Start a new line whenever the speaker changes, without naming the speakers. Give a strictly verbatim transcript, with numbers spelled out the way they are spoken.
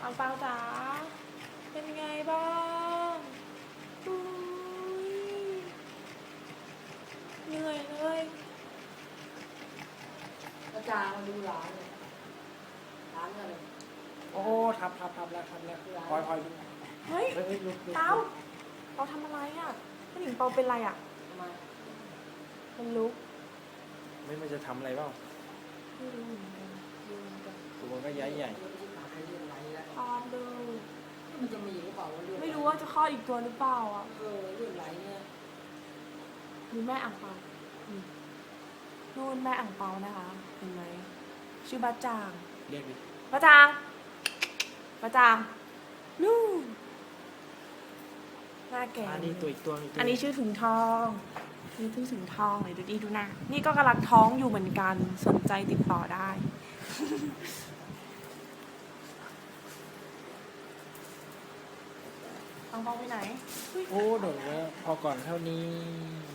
อังเปาจ๋าเป็นไงบ้างอุ้ยเหนื่อยเลย
อาจารย์มาดูร้านเลยร้านอะไร
โอ้ทับทับทับแล้วทับแล้วพลอยพลอยดู
เฮ้ย
เฮ้ยเฮ้ยลุกลุก
เปาเปาทำอะไรอ่ะผู้หญิงเปาเป็นไรอ่ะ
ทำไม
มันลุก
ไม่มันจะทำอะไรเปล่า
ไม่รู้เหมือนกัน
ยืนกัน
ตัวก็ใหญ่ใหญ่
เรื่องที่มาให้เรื่องไรแล้ว
คลอดเลย
มันจะมีหรือเปล่าว่าเรื่อง
ไม่รู้ว่าจะคลอดอีกตัวหรือเปล่าอ่ะ
เออเรื่องไรเนี่ย
มีแม่อ่างเปาอืมนู่นแม่อ่างเปานะคะเห็นไหมชื่อบ้าจาง
เรียกดิ
บ้าจางบ้าจางนู่นหน้าแก่
อันนี้ตัวอีกตัวอีกตัว
อันนี้ชื่อถุงทองนี่ชื่อถุงทองเลยดูดีดูหน้านี่ก็กำลังท้องอยู่เหมือนกันสนใจติดต่อได้ อังเปาไปไหน
โอ้โดดแล้วพอก่อนเท่านี้